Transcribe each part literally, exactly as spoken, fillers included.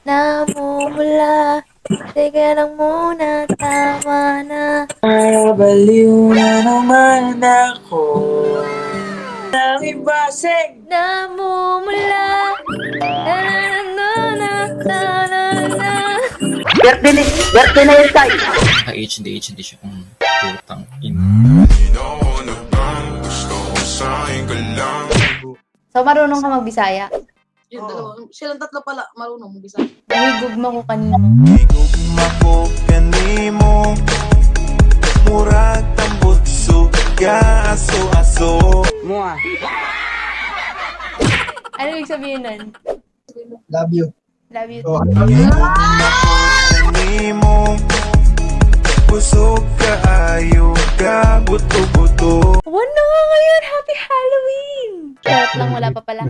namumula. Teka lang muna, tama na. Nabaliw na naman ako ng ibasig. Namumula. Na na na na na na na. Birthday na, birthday na yun tayo. Naka-H D, H D siya kung putang ina. So, marunong ka magbisaya? Yung dalawa. Silang tatlo pala, marunong mong bisa. Nahigugma ko kanino. Higugma ko kanimo murag tambutso ka aso-aso. Mua. Ano ibig sabihin nun? Love you. Love you. Oh, Higugma ko kanimo busog ka ayo ka buto-buto. One na nga ngayon! Happy Halloween! Charot lang, wala pa pala.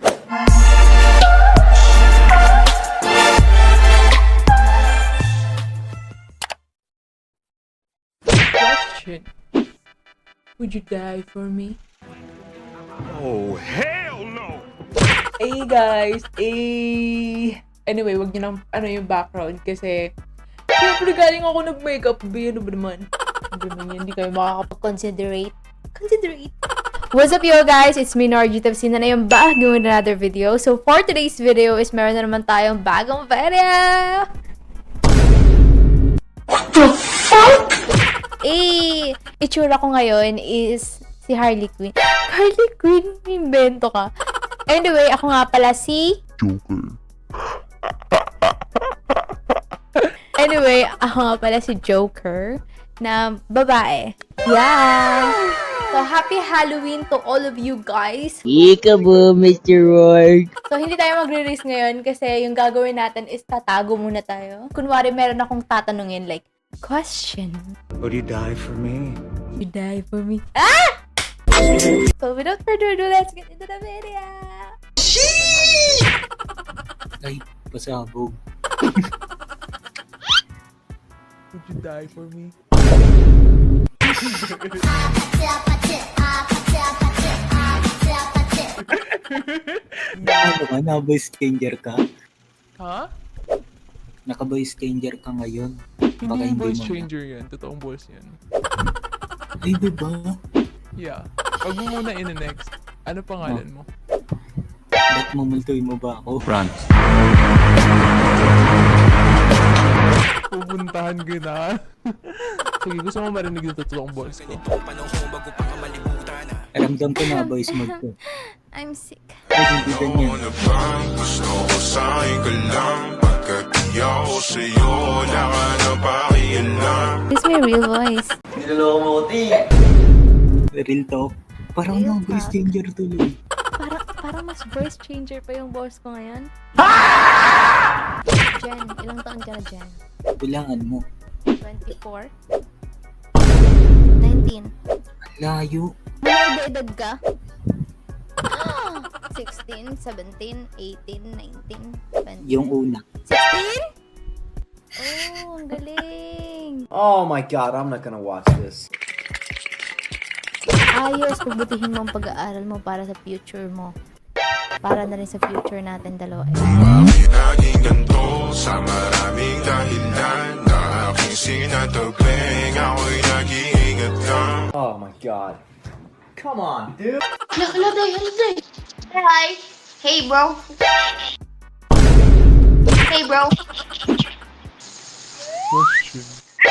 Question. Would you die for me? Oh hell no. Hey guys! Eh... Anyway, wag niyo nang ano yung background kasi siyempre galing ako nag-makeup. Ba, ano ba naman? Ano ba naman yan? Hindi kayo makakapag... Considerate. Considerate. What's up, yo guys? It's me, Narji Tapsin na yung bagong another video. So, for today's video is meron na naman tayong bagong video! What the fuck? Eh, itsura ko ngayon is si Harley Quinn. Harley Quinn, invento ka. Anyway, ako nga pala si... Joker. Anyway, ako nga pala si Joker na babae. Yeah! So, happy Halloween to all of you guys. Ika po, Mister Ward. So, hindi tayo magre-race ngayon kasi yung gagawin natin is tatago muna tayo. Kunwari, meron akong tatanungin like, question. Would you die for me? You die for me. Ah! So, without further ado, let's get into the video. Ay, pasabog. Would you die for me? Ano ka? Naka-voice changer ka? Ha? Naka-voice changer ka ngayon? Hindi Baka yung hindi voice mo. changer yan. Totoong voice yan. Ay, diba? Yeah. Wag mo muna in-next. Ano pangalan mo? Ba't mamultoy mo ba ako? Run. Pupuntahan ko na. Sige, gusto mo marinig yung totoong voice ko. Ramdam ko na voice mode ko. I'm sick. Ay, hindi ganyan. Gusto ko sa'yo ka lang pagkat iyaw ko sa'yo wala ka na pakialam. This is my real voice. Real talk. Parang Real na-voice talk. changer tuloy. Para, para mas voice changer pa yung boss ko ngayon. Jen, ilang taon ka na, Jen? Kailangan mo. twenty-four? nineteen? Layo. May edad ka? sixteen, seventeen, eighteen, nineteen, twenty. Yung una. sixteen? Oh, ang galing. Oh my god, I'm not gonna watch this. Ayos, pagbutihin mo ang pag-aaral mo para sa future mo. Para na rin sa future natin dalawa. Bakit naging ganito sa maraming dahilan na aking sinatagling ako'y nag-iingat lang. Oh my god. Come on, dude. Hi. Hey, bro. Hey, bro. Question.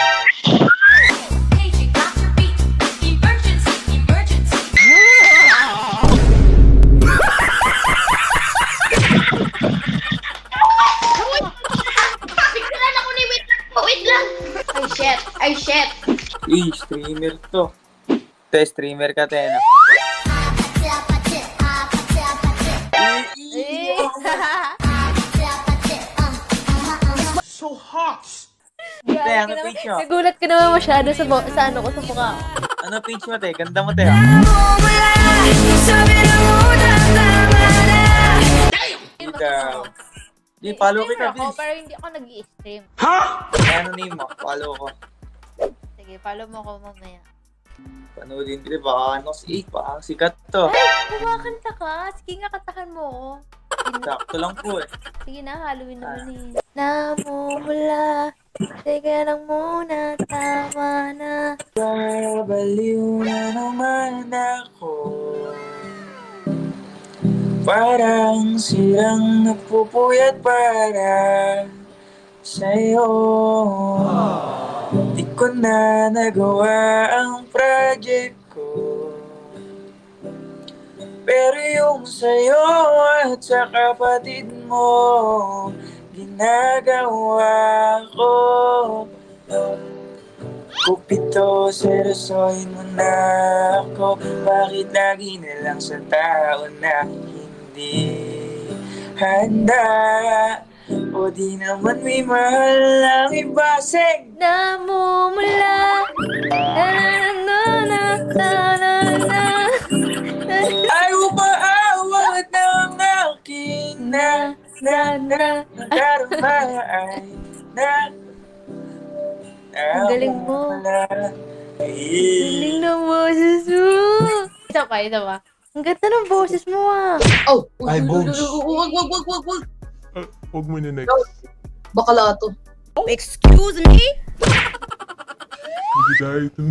Biglaan ako ni wait lang po, wait lang. Ay, shit. Ay, shit. Eh, streamer to. Te, streamer ka, te, no? So hot! Te, Grabe ano ka naman. page mo? Nagulat ka naman masyado sa, bo- sa ano ko, sa mukha ko. Ano page mo, te? Ganda mo, te, ah. Ikaw. Di, follow kita, Streamer ako, please. pero hindi ako nag-i-stream. Ay, ano name mo? Follow ko. Sige, follow mo ako mamaya. Panoodin ko, baka ano, si, eh, baka sikat to. Ay, kumakanta ka. Sige nga, katahan mo ako. Sakto lang po eh. Sige na, Halloween naman eh. Namumula. Teka lang muna, tama na. Babaliw na naman ako. Parang silang nagpupuyat para sa'yo. Di ko na nagawa ang project ko. Pero yung sa'yo at sa kapatid mo, ginagawa ko. Kupito, seryosohin mo na ako. Bakit lagi na lang sa tao na hindi handa? O di naman may mahal ang iba. Sing! Namumula. Na na na na na na. Ay umaawat ng aking na na na nadarama ay na. Ang galing mo. Ay. Galing ng boses mo. Isa pa, isa pa. Ang ganda ng boses mo ah. Oh! Ay, Bones. Wag, wag, wag, wag, wag. Uh, huwag mo na next. Bakala to. Excuse me? Hindi dahil ito.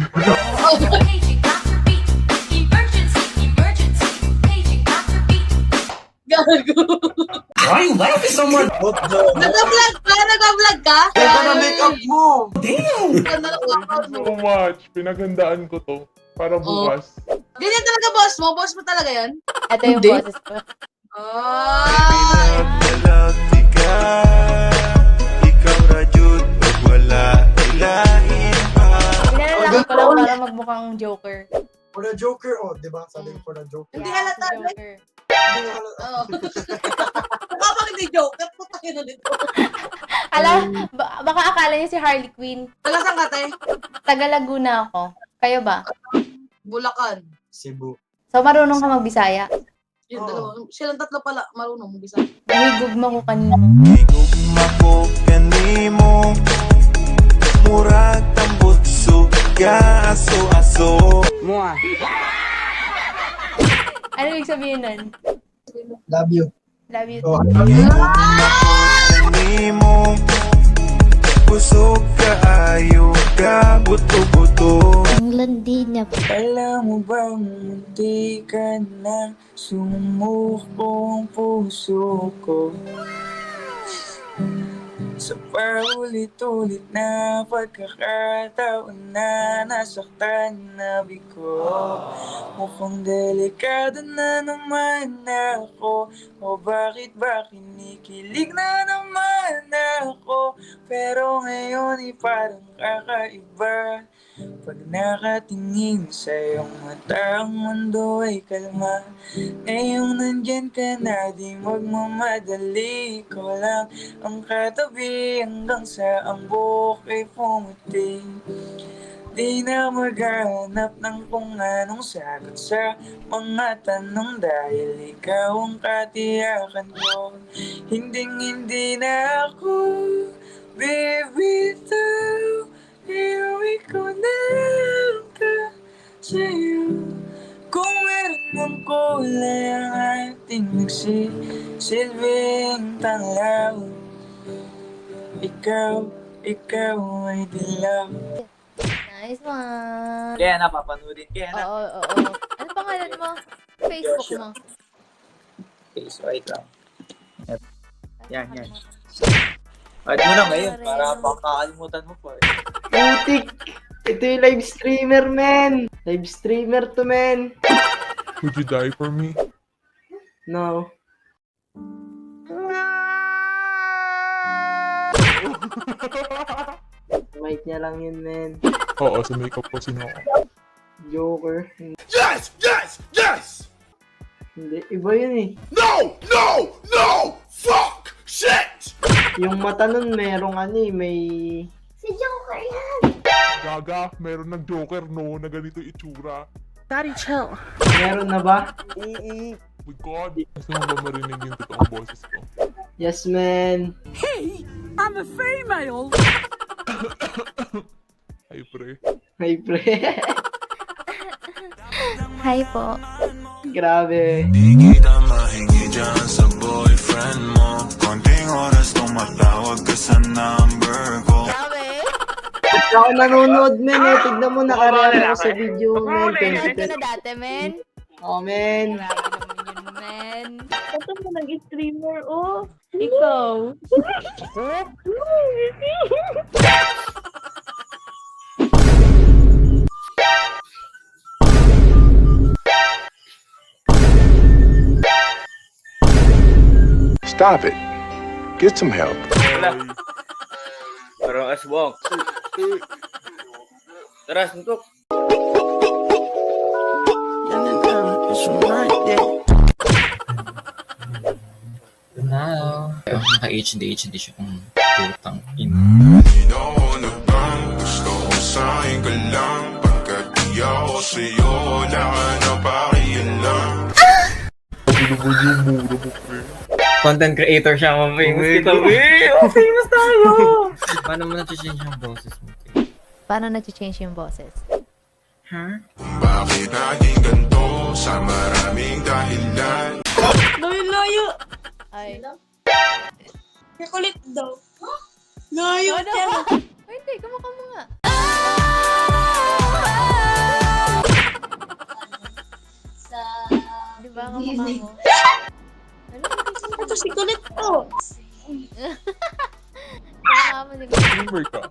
Gago. Why you laughing so much? What the? Nag-vlog ka? Nag-vlog ka? Ganda na makeup mo! Damn! Ganda ng workout mo. So much. Pinaghandaan ko to. Para bukas. Ganyan talaga, boss mo? Boss mo talaga yan? Ito yung Hindi. boses ko. Ah! Nalati ka, ikaw na Jud, pag wala ilahin pa. Pinalalaki ko lang para magmukhang Joker. For the Joker, oh, di ba? Sabi ko for the Joker. Hindi Yeah, halata, si eh. Joker. Hindi ko halata. Oo. Mukha pang hindi joke. Putang ina nito. Alam, ba- baka akala niyo si Harley Quinn. Taga saan ka, te? Taga Laguna ako. Kayo ba? Bulacan. Cebu. So, marunong ka magbisaya? Yung Oo. dalawa. Silang tatlo pala. Marunong mo bisa. Humigugma ko kanino. Igugma ko kanimo, murag tambutso ka aso-aso. Ano ibig sabihin nun? Love you. Love you Oh, too. Igugma ko kanimo, busog ka ayo ka buto-buto. Ang landi niya. Alam mo bang munti ka na sumukong puso ko? Sa paulit-ulit na pagkakataon na nasaktan na ko. Mukhang delikado na naman ako. O bakit ba kinikilig na naman ako? Pero ngayon ay parang kakaiba. Pag nakatingin sa iyong mata, ang mundo ay kalma. Ngayong nandyan ka na, di magmamadali. Ikaw lang ang katabi hanggang sa ang buhok ay pumuti. Di na maghanap ng kung anong sagot sa mga tanong dahil ikaw ang katiyakan ko. Hinding hindi na ako bibitaw. Iuwi ko na ka sa'yo. Kung meron mang kulay ang ating nagsisilbing tanglaw, ikaw, ikaw ay dilaw. Nice one. Kaya na, papanoorin kaya na. Oo, oo, oo. Ano pangalan mo? Facebook mo. Okay, so wait lang. Yan, yan. Add mo na ngayon para pakakalimutan mo pa eh. Putik! Ito yung live streamer, man! Live streamer to, man! Would you die for me? No. Mic niya lang yun, man. Oo, sa makeup ko sino ako. Joker. Yes! Yes! Yes! Hindi, iba yun eh. No! No! No! Fuck! Shit! Yung mata nun, merong ano eh, may... Si Joker yan. Gaga, meron ng Joker no, na ganito itsura. Meron na ba? Oo, my God. Gusto mo ba marinig yung totoong boses ko? Yes, man. Ay, pre. Hi, pre. Hi po. Grabe. Di kita mahingi dyan sa boyfriend ka sa number ko. Grabe. Ako nanonood, men, eh. Tignan mo, nakareact ako sa video, men. Nanonood ka na dati, men. Oh, men. Grabe naman yun, men. Ito mo nag-streamer, oh. Ikaw. Stop it. Get some help. Parang aswang. Tara, suntok. Now. Naka-H D, H D siya kung putang ina. Sino na bang gusto ko sa'yo ka lang? Pagkat di ako sa'yo, wala ka na pakialam. Content creator siya, ma-famous kita. Oh, famous tayo! Paano mo na-change yung boses mo? Paano na-change yung boses? Bakit naging ganito sa maraming dahilan? Layo-layo. Ay. Kakulit daw. Layo Ano? ka na. Ay, hindi. Kamukha mo nga. Sa... Di ba? Kamukha mo. Ano? Ito si kulit to. Kamukha mo. Di ba? Streamer ka.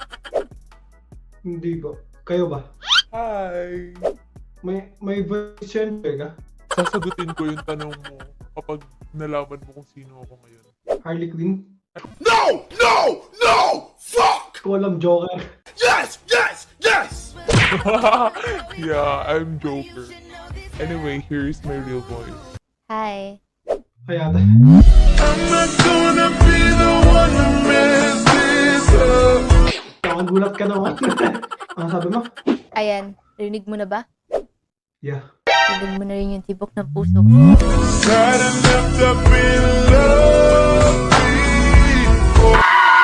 Hindi ba? Kayo ba? Hi! May may voice yan, ka? Sasagutin ko yung tanong mo kapag nalaman mo kung sino ako ngayon. Harley Quinn? No! No! No! Fuck! Ko alam, Joker. Yes! Yes! Yes! Yeah, I'm Joker. Anyway, here's my real voice. Hi. Kaya ata. I'm not gonna be the one to mess this up. Nakagulat ka naman. Ano sabi mo? Ayan. Rinig mo na ba? Yeah. Rinig mo na rin yung tibok ng puso. Got left up in love before.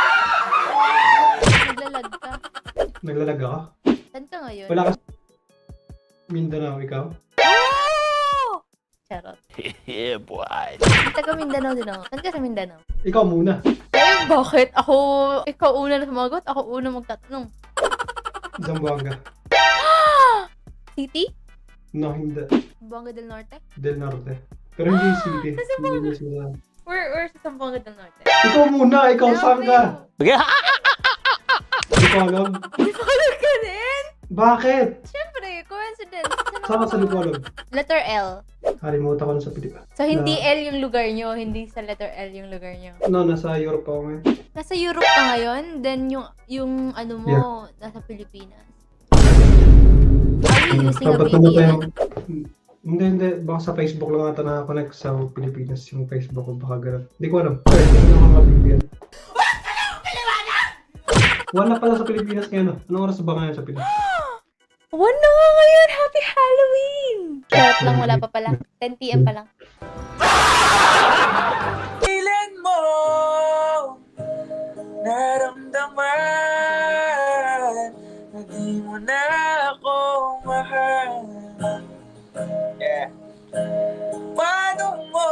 Naglalag ka. Naglalag ka? Saan ka ngayon? Wala ka. Mindanao, ikaw? Oh! Charot. Yeah, boy. Taga Mindanao din ako. Saan ka sa Mindanao? Ikaw muna. Eh, bakit? Ako, ikaw una na sumagot. Ako una magtatanong. Zamboanga. City? No, hindi. Zamboanga del Norte? Del Norte. Pero hindi city. Zamboanga. Hindi sila. Where, where sa Zamboanga del Norte? Ikaw muna, ikaw saan ka? Hindi ko alam. Lipolog ka din? Bakit? Siyempre, coincidence. Saan ka sa Lipolog? Letter L. Kalimutan ko na sa Pilipinas. So, hindi Na- L yung lugar nyo, hindi sa letter L yung lugar nyo. No, nasa Europe ako ngayon. Nasa Europe ka ngayon, then yung, yung ano mo, nasa Pilipinas. Are you using a Dapat V naman P N? tayo. Hindi, hindi. Baka sa Facebook lang ata nakakonect sa Pilipinas yung Facebook ko. Baka ganun. Hindi ko alam. Sorry, hindi ko mga V P N. Wala pala sa Pilipinas ngayon. Anong oras ba ngayon sa Pilipinas? One na nga ngayon! Happy Halloween! Charot lang, wala pa pala. ten p m pa lang. Kailan mo naramdaman na di mo na ako mahal? Yeah. Paano mo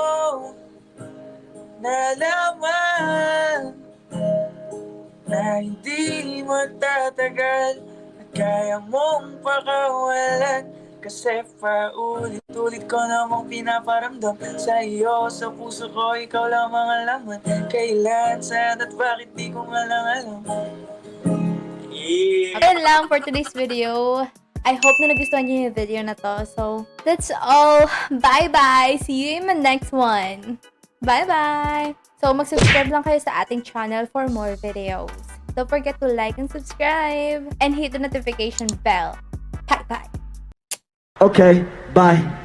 nalaman na hindi magtatagal at kaya mong pakawalan? Kasi paulit-ulit ko namang pinaparamdam sa iyo, sa puso ko, ikaw lang ang alaman. Kailan, saan at bakit di ko nga lang alam. Yeah. Ayun lang for today's video. I hope na nagustuhan niyo yung video na to. So, that's all. Bye-bye! See you in my next one. Bye-bye! So, mag-subscribe lang kayo sa ating channel for more videos. Don't forget to like and subscribe. And hit the notification bell. Bye-bye! Okay, bye.